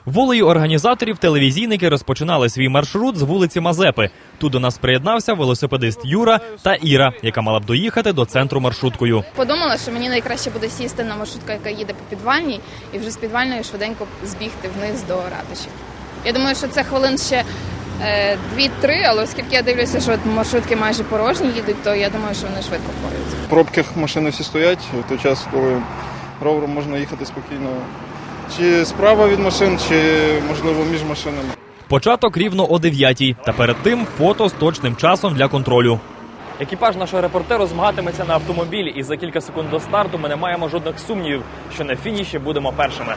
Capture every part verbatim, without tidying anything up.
Волею організаторів телевізійники розпочинали свій маршрут з вулиці Мазепи. Тут до нас приєднався велосипедист Юра та Іра, яка мала б доїхати до центру маршруткою. Подумала, що мені найкраще буде сісти на маршрутку, яка їде по Підвальній, і вже з Підвальної швиденько збігти вниз до ратуші. Я думаю, що це хвилин ще дві-три, але оскільки я дивлюся, що маршрутки майже порожні їдуть, то я думаю, що вони швидко впораються. В пробках машини всі стоять в той час, коли ровером можна їхати спокійно. Чи справа від машин, чи, можливо, між машинами. Початок рівно о дев'ятій, та перед тим фото з точним часом для контролю. Екіпаж нашого репортеру змагатиметься на автомобілі, і за кілька секунд до старту ми не маємо жодних сумнівів, що на фініші будемо першими.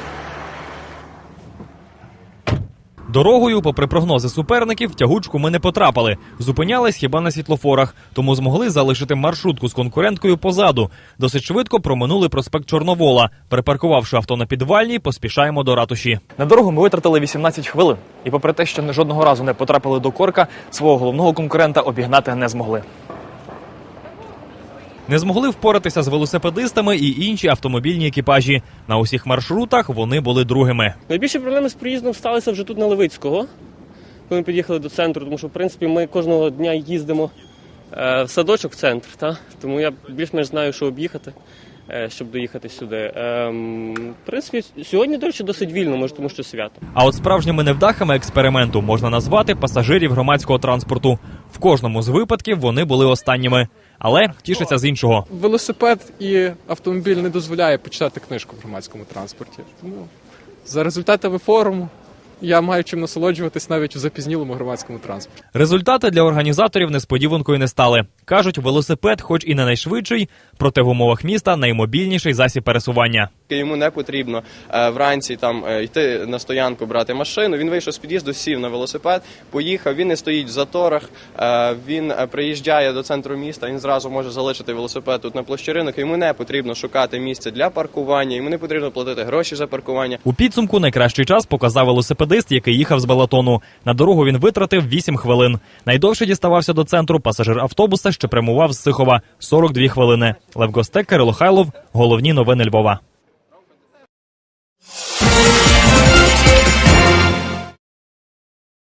Дорогою, попри прогнози суперників, в тягучку ми не потрапили. Зупинялись хіба на світлофорах, тому змогли залишити маршрутку з конкуренткою позаду. Досить швидко проминули проспект Чорновола. Припаркувавши авто на Підвальній, поспішаємо до ратуші. На дорогу ми витратили вісімнадцять хвилин. І попри те, що жодного разу не потрапили до корка, свого головного конкурента обігнати не змогли. Не змогли впоратися з велосипедистами і інші автомобільні екіпажі. На усіх маршрутах вони були другими. Найбільші проблеми з проїздом сталися вже тут на Левицького, коли ми під'їхали до центру, тому що, в принципі, ми кожного дня їздимо е, в садочок в центр, та? Тому я більш-менш знаю, що об'їхати, е, щоб доїхати сюди. Е, в принципі, сьогодні, до речі, досить вільно, може, тому що свято. А от справжніми невдахами експерименту можна назвати пасажирів громадського транспорту. В кожному з випадків вони були останніми. Але тішаться з іншого. Велосипед і автомобіль не дозволяє почитати книжку в громадському транспорті. Тому за результатами форуму я маю чим насолоджуватись навіть у запізнілому громадському транспорті. Результати для організаторів несподіванкою не стали. Кажуть, велосипед хоч і не найшвидший, проте в умовах міста наймобільніший засіб пересування. Йому не потрібно е, вранці там е, йти на стоянку, брати машину. Він вийшов з під'їзду, сів на велосипед, поїхав, він не стоїть в заторах, е, він приїжджає до центру міста, він зразу може залишити велосипед тут на площі Ринок. Йому не потрібно шукати місце для паркування, йому не потрібно платити гроші за паркування. У підсумку найкращий час показав велосипедист, який їхав з Балатону. На дорогу він витратив вісім хвилин. Найдовше діставався до центру пасажир автобуса, що прямував з Сихова – сорок дві хвилини. Лев Гостек, Кирило Хайлов. Головні новини Львова.